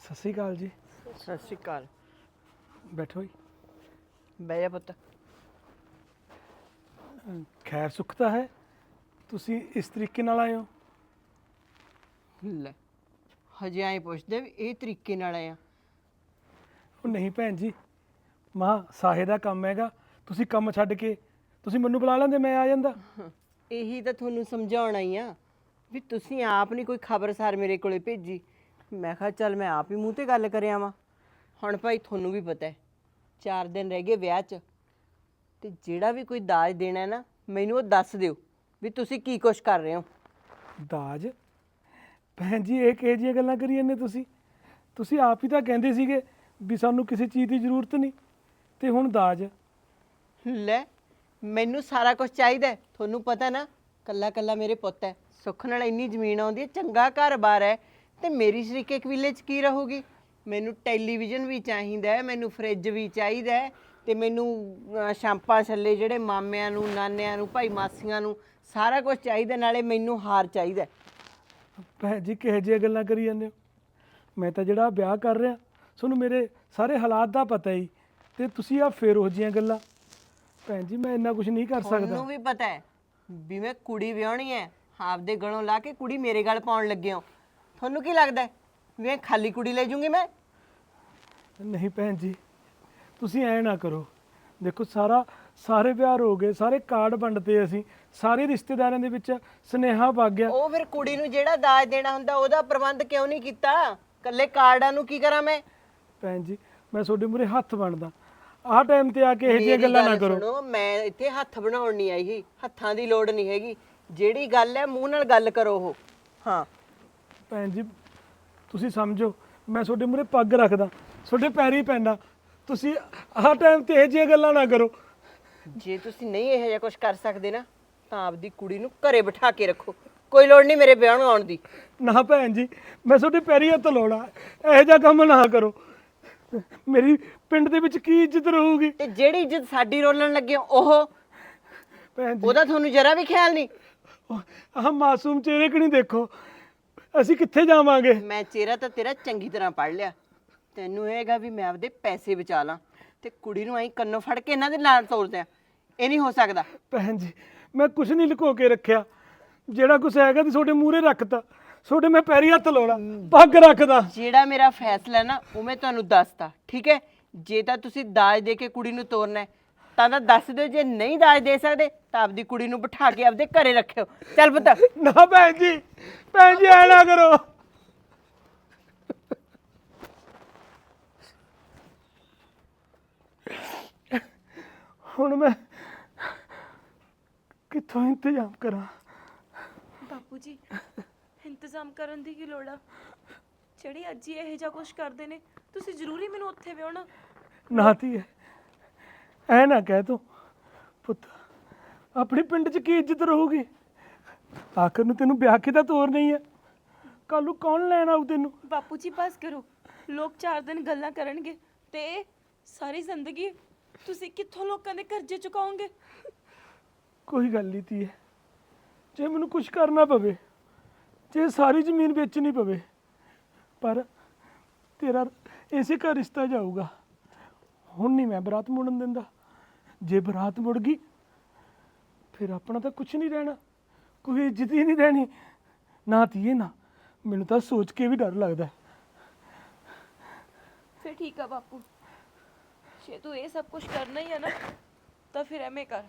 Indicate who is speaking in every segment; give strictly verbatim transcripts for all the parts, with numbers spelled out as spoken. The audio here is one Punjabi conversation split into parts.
Speaker 1: ਸਤਿ ਸ਼੍ਰੀ ਅਕਾਲ ਜੀ।
Speaker 2: ਸਤਿ ਸ਼੍ਰੀ ਅਕਾਲ।
Speaker 1: ਬੈਠੋ ਜੀ।
Speaker 2: ਬਹਿ ਜਾ ਪੁੱਤ।
Speaker 1: ਖੈਰ ਸੁੱਖ ਤਾਂ ਹੈ, ਤੁਸੀਂ ਇਸ ਤਰੀਕੇ ਨਾਲ ਆਏ ਹੋ।
Speaker 2: ਲੈ ਹਜੇ ਐਂ ਪੁੱਛਦੇ ਵੀ ਇਹ ਤਰੀਕੇ ਨਾਲ ਆਇਆ।
Speaker 1: ਉਹ ਨਹੀਂ ਭੈਣ ਜੀ, ਮਾਂ ਸਾਹੇ ਦਾ ਕੰਮ ਹੈਗਾ, ਤੁਸੀਂ ਕੰਮ ਛੱਡ ਕੇ ਤੁਸੀਂ ਮੈਨੂੰ ਬੁਲਾ ਲੈਂਦੇ, ਮੈਂ ਆ ਜਾਂਦਾ।
Speaker 2: ਇਹੀ ਤਾਂ ਤੁਹਾਨੂੰ ਸਮਝਾਉਣਾ ਹੀ ਆ ਵੀ ਤੁਸੀਂ ਆਪ ਨਹੀਂ ਕੋਈ ਖਬਰਸਾਰ ਮੇਰੇ ਕੋਲੇ ਭੇਜੀ। ਮੈਂ ਕਿਹਾ ਚੱਲ ਮੈਂ ਆਪ ਹੀ ਮੂੰਹ ਤੇ ਗੱਲ ਕਰਿਆ ਵਾਂ। ਹੁਣ ਭਾਈ ਤੁਹਾਨੂੰ ਵੀ ਪਤਾ ਹੈ ਚਾਰ ਦਿਨ ਰਹਿ ਗਏ ਵਿਆਹ 'ਚ, ਤੇ ਜਿਹੜਾ ਵੀ ਕੋਈ ਦਾਜ ਦੇਣਾ ਹੈ ਨਾ ਮੈਨੂੰ ਉਹ ਦੱਸ ਦਿਓ ਵੀ ਤੁਸੀਂ ਕੀ ਕੁਛ ਕਰ ਰਹੇ ਹੋ।
Speaker 1: ਦਾਜ? ਭੈਣ ਜੀ ਇਹ ਕਿਹੋ ਜਿਹੀਆਂ ਗੱਲਾਂ ਕਰੀ ਜਾਂਦੇ ਤੁਸੀਂ ਤੁਸੀਂ ਆਪ ਹੀ ਤਾਂ ਕਹਿੰਦੇ ਸੀਗੇ ਵੀ ਸਾਨੂੰ ਕਿਸੇ ਚੀਜ਼ ਦੀ ਜ਼ਰੂਰਤ ਨਹੀਂ, ਤੇ ਹੁਣ ਦਾਜ?
Speaker 2: ਲੈ ਮੈਨੂੰ ਸਾਰਾ ਕੁਝ ਚਾਹੀਦਾ ਹੈ। ਤੁਹਾਨੂੰ ਪਤਾ ਨਾ ਕੱਲਾ ਕੱਲਾ ਮੇਰੇ ਪੁੱਤ ਹੈ, ਸੁੱਖ ਨਾਲ ਇੰਨੀ ਜ਼ਮੀਨ ਆਉਂਦੀ ਹੈ, ਚੰਗਾ ਘਰ-ਬਾਰ ਹੈ, ਤੇ ਮੇਰੀ ਸ਼ਰੀਕੇ ਕਬੀਲੇ 'ਚ ਕੀ ਰਹੂਗੀ। ਮੈਨੂੰ ਟੈਲੀਵਿਜ਼ਨ ਵੀ ਚਾਹੀਦਾ ਹੈ, ਮੈਨੂੰ ਫਰਿੱਜ ਵੀ ਚਾਹੀਦਾ ਹੈ, ਤੇ ਮੈਨੂੰ ਅਹ, ਸ਼ਾਂਪਾਂ ਛੱਲੇ ਜਿਹੜੇ ਮਾਮਿਆਂ ਨੂੰ, ਨਾਨਿਆਂ ਨੂੰ, ਭਾਈ ਮਾਸੀਆਂ ਨੂੰ ਸਾਰਾ ਕੁਝ ਚਾਹੀਦਾ, ਨਾਲੇ ਮੈਨੂੰ ਹਾਰ ਚਾਹੀਦਾ ਹੈ।
Speaker 1: ਭੈਣ ਜੀ ਕਿਹੋ ਜਿਹੀਆਂ ਗੱਲਾਂ ਕਰੀ ਜਾਂਦੇ ਹੋ। ਮੈਂ ਤਾਂ ਜਿਹੜਾ ਵਿਆਹ ਕਰ ਰਿਹਾ, ਤੁਹਾਨੂੰ ਮੇਰੇ ਸਾਰੇ ਹਾਲਾਤ ਦਾ ਪਤਾ ਹੀ, ਤੇ ਤੁਸੀਂ ਆ ਫੇਰ ਉਹ ਜਿਹੀਆਂ ਗੱਲਾਂ। ਭੈਣ ਜੀ ਮੈਂ ਇੰਨਾ ਕੁਝ ਨਹੀਂ ਕਰ ਸਕਦਾ।
Speaker 2: ਤੁਹਾਨੂੰ ਵੀ ਪਤਾ ਹੈ ਵੀ ਮੈਂ ਕੁੜੀ ਵਿਆਹਣੀ ਹੈ, ਆਪਦੇ ਗਲੋਂ ਲਾ ਕੇ ਕੁੜੀ ਮੇਰੇ ਗਲ ਪਾਉਣ ਲੱਗੇ ਹੋ। ਤੁਹਾਨੂੰ ਕੀ ਲੱਗਦਾ ਹੈ ਵੀ ਇਹ ਖਾਲੀ ਕੁੜੀ ਲੈ ਜੂੰਗੀ ਮੈਂ?
Speaker 1: ਨਹੀਂ ਭੈਣ ਜੀ, ਤੁਸੀਂ ਐ ਨਾ ਕਰੋ। ਦੇਖੋ ਸਾਰਾ ਸਾਰੇ ਵਿਆਹ ਹੋ ਗਏ, ਸਾਰੇ ਕਾਰਡ ਵੰਡਤੇ, ਅਸੀਂ ਸਾਰੇ ਰਿਸ਼ਤੇਦਾਰਾਂ ਦੇ ਵਿੱਚ ਸੁਨੇਹਾ ਵਗ ਗਿਆ।
Speaker 2: ਉਹ ਫਿਰ ਕੁੜੀ ਨੂੰ ਜਿਹੜਾ ਦਾਜ ਦੇਣਾ ਹੁੰਦਾ ਉਹਦਾ ਪ੍ਰਬੰਧ ਕਿਉਂ ਨਹੀਂ ਕੀਤਾ? ਕੱਲੇ ਕਾਰਡਾਂ ਨੂੰ ਕੀ ਕਰਾਂ ਮੈਂ?
Speaker 1: ਭੈਣ ਜੀ ਮੈਂ ਤੁਹਾਡੇ ਮੂਹਰੇ ਹੱਥ ਬਣਦਾ, ਆਹ ਟਾਈਮ ਤੇ ਆ ਕੇ ਇਹੋ ਜਿਹੀਆਂ
Speaker 2: ਮੇਰੀ
Speaker 1: ਗੱਲਾਂ ਨਾ
Speaker 2: ਗੱਲ
Speaker 1: ਕਰੋ।
Speaker 2: ਸੁਣੋ, ਮੈਂ ਇੱਥੇ ਹੱਥ ਬਣਾਉਣ ਨਹੀਂ ਆਈ ਸੀ, ਹੱਥਾਂ ਦੀ ਲੋੜ ਨਹੀਂ ਹੈਗੀ। ਜਿਹੜੀ ਗੱਲ ਹੈ ਮੂੰਹ ਨਾਲ ਗੱਲ ਕਰੋ ਉਹ। ਹਾਂ
Speaker 1: ਭੈਣ ਜੀ ਤੁਸੀਂ ਸਮਝੋ, ਮੈਂ ਤੁਹਾਡੇ ਮੂਹਰੇ ਪੱਗ ਰੱਖਦਾ, ਤੁਹਾਡੇ ਪੈਰੀ ਪੈਂਦਾ, ਤੁਸੀਂ ਆਹ ਟਾਈਮ ਤੇ ਇਹੋ ਜਿਹੀਆਂ ਗੱਲਾਂ ਨਾ ਕਰੋ।
Speaker 2: ਜੇ ਤੁਸੀਂ ਨਹੀਂ ਇਹੋ ਜਿਹਾ ਕੁਝ ਕਰ ਸਕਦੇ ਨਾ ਤਾਂ ਆਪਦੀ ਕੁੜੀ ਨੂੰ ਘਰੇ ਬਿਠਾ ਕੇ ਰੱਖੋ, ਕੋਈ ਲੋੜ ਨਹੀਂ ਮੇਰੇ ਵਿਆਹ ਨੂੰ ਆਉਣ ਦੀ।
Speaker 1: ਨਾ ਭੈਣ ਜੀ ਮੈਂ ਤੁਹਾਡੇ ਪੈਰੀ ਹੱਥ ਲਾਉਣਾ, ਇਹੋ ਜਿਹਾ ਕੰਮ ਨਾ ਕਰੋ। ਮੇਰੀ ਪਿੰਡ ਦੇ ਵਿੱਚ ਕੀ ਇੱਜ਼ਤ ਰਹੂਗੀ?
Speaker 2: ਤੇ ਜਿਹੜੀ ਇੱਜ਼ਤ ਸਾਡੀ ਰੋਲਣ ਲੱਗੇ ਹੋ, ਉਹ
Speaker 1: ਭੈਣ ਜੀ
Speaker 2: ਉਹਦਾ ਤੁਹਾਨੂੰ ਜਰਾ ਵੀ ਖਿਆਲ ਨਹੀਂ?
Speaker 1: ਆਹ ਮਾਸੂਮ ਚਿਹਰੇ ਕਿ ਨਹੀਂ ਦੇਖੋ, ਅਸੀਂ ਕਿੱਥੇ ਜਾਵਾਂਗੇ?
Speaker 2: ਮੈਂ ਚਿਹਰਾ ਤਾਂ ਤੇਰਾ ਚੰਗੀ ਤਰ੍ਹਾਂ ਪੜ੍ਹ ਲਿਆ। ਤੈਨੂੰ ਇਹ ਹੈਗਾ ਵੀ ਮੈਂ ਆਪਦੇ ਪੈਸੇ ਬਚਾ ਲਾਂ, ਤੇ ਕੁੜੀ ਨੂੰ ਐਂ ਕੰਨੋਂ ਫੜ ਕੇ ਇਹਨਾਂ ਦੇ ਨਾਲ ਤੋਰਦਿਆਂ। ਇਹ ਨਹੀਂ ਹੋ ਸਕਦਾ।
Speaker 1: ਭੈਣ ਜੀ ਮੈਂ ਕੁਝ ਨਹੀਂ ਲੁਕੋ ਕੇ ਰੱਖਿਆ, ਜਿਹੜਾ ਕੁਝ ਹੈਗਾ ਤੇ ਤੁਹਾਡੇ ਮੂਹਰੇ ਰੱਖਤਾ। ਤੁਹਾਡੇ ਮੈਂ ਪੈਰੀ ਹੱਥ ਲਾਉਣਾ, ਪੱਗ ਰੱਖਦਾ।
Speaker 2: ਜਿਹੜਾ ਮੇਰਾ ਫੈਸਲਾ ਨਾ ਉਹ ਮੈਂ ਤੁਹਾਨੂੰ ਦੱਸਤਾ, ਠੀਕ ਹੈ? ਜੇ ਤਾਂ ਤੁਸੀਂ ਦਾਜ ਦੇ ਕੇ ਕੁੜੀ ਨੂੰ ਤੋਰਨਾ ਹੈ ਤਾਂ ਤਾਂ ਦੱਸ ਦਿਓ, ਜੇ ਨਹੀਂ ਦਾਜ ਦੇ ਸਕਦੇ ਤਾਂ ਆਪਦੀ ਕੁੜੀ ਨੂੰ ਬਿਠਾ ਕੇ ਆਪਦੇ ਘਰੇ ਰੱਖਿਓ। ਚੱਲ ਪੁੱਤ।
Speaker 1: ਨਾ ਭੈਣ ਜੀ, ਭੈਣ ਜੀ ਐ ਨਾ ਕਰੋ। ਹੁਣ ਮੈਂ ਕਿੱਥੋਂ ਇੰਤਜ਼ਾਮ ਕਰਾਂ?
Speaker 3: ਬਾਪੂ ਜੀ ਇੰਤਜ਼ਾਮ ਕਰਨ ਦੀ ਕੀ ਲੋੜ ਆ? ਜਿਹੜੀ ਅੱਜ ਹੀ ਇਹੋ ਜਿਹਾ ਕੁਝ ਕਰਦੇ ਨੇ, ਤੁਸੀਂ ਜ਼ਰੂਰੀ ਮੈਨੂੰ ਉੱਥੇ ਵਿਆਹਣਾ?
Speaker 1: ਨਾ ਧੀਏ ਐ ਨਾ ਕਹਿ ਤੂੰ। ਪੁੱਤ ਆਪਣੇ ਪਿੰਡ 'ਚ ਕੀ ਇੱਜ਼ਤ ਰਹੂਗੀ? ਆਖਰ ਨੂੰ ਤੈਨੂੰ ਵਿਆਹ ਕੇ ਤਾਂ ਤੋਰ ਨਹੀਂ ਹੈ, ਕੱਲ ਨੂੰ ਕੌਣ ਲੈਣ ਆਊ ਤੈਨੂੰ?
Speaker 3: ਬਾਪੂ ਜੀ ਬਸ ਕਰੋ, ਲੋਕ ਚਾਰ ਦਿਨ ਗੱਲਾਂ ਕਰਨਗੇ ਤੇ ਸਾਰੀ ਜ਼ਿੰਦਗੀ ਤੁਸੀਂ ਕਿੱਥੋਂ ਲੋਕਾਂ ਦੇ ਕਰਜ਼ੇ ਚੁਕਾਓਗੇ?
Speaker 1: ਕੋਈ ਗੱਲ ਨਹੀਂ ਧੀਏ, ਜੇ ਮੈਨੂੰ ਕੁਝ ਕਰਨਾ ਪਵੇ, ਜੇ ਸਾਰੀ ਜ਼ਮੀਨ ਵੇਚਣੀ ਪਵੇ, ਪਰ ਤੇਰਾ ਇਸੇ ਘਰ ਰਿਸ਼ਤਾ ਜਾਊਗਾ। ਹੁਣ ਨਹੀਂ ਮੈਂ ਬਰਾਤ ਮੁੜਨ ਦਿੰਦਾ। ਜੇ ਬਰਾਤ ਮੁੜ ਗਈ ਫਿਰ ਆਪਣਾ ਤਾਂ ਕੁਝ ਨਹੀਂ ਰਹਿਣਾ, ਕੋਈ ਇੱਜ਼ਤ ਹੀ ਨਹੀਂ ਰਹਿਣੀ। ਨਾ ਧੀਏ ਨਾ, ਮੈਨੂੰ ਤਾਂ ਸੋਚ ਕੇ ਵੀ ਡਰ ਲੱਗਦਾ।
Speaker 3: ਫਿਰ ਠੀਕ ਆ ਬਾਪੂ, ਜੇ ਤੂੰ ਇਹ ਸਭ ਕੁਝ ਕਰਨਾ ਹੀ ਹੈ ਨਾ ਤਾਂ ਫਿਰ ਐਵੇਂ ਕਰ।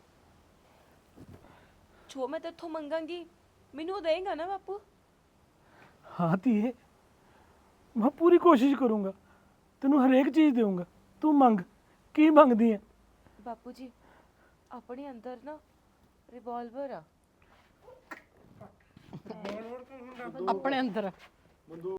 Speaker 3: ਜੋ ਮੈਂ ਤੇਥੋਂ ਮੰਗਾਂਗੀ ਮੈਨੂੰ ਉਹ ਦੇਂਗਾ ਨਾ ਬਾਪੂ?
Speaker 1: ਹਾਂ ਧੀਏ, ਮੈਂ ਪੂਰੀ ਕੋਸ਼ਿਸ਼ ਕਰੂੰਗਾ, ਤੈਨੂੰ ਹਰੇਕ ਚੀਜ਼ ਦੇਵਾਂਗਾ। ਤੂੰ ਮੰਗ, ਕੀ ਮੰਗਦੀ ਹੈ?
Speaker 3: ਬਾਪੂ ਜੀ ਆਪਣੇ ਅੰਦਰ ਨਾ ਰਿਵਾਲਵਰ ਆ।
Speaker 2: ਆਪਣੇ ਅੰਦਰ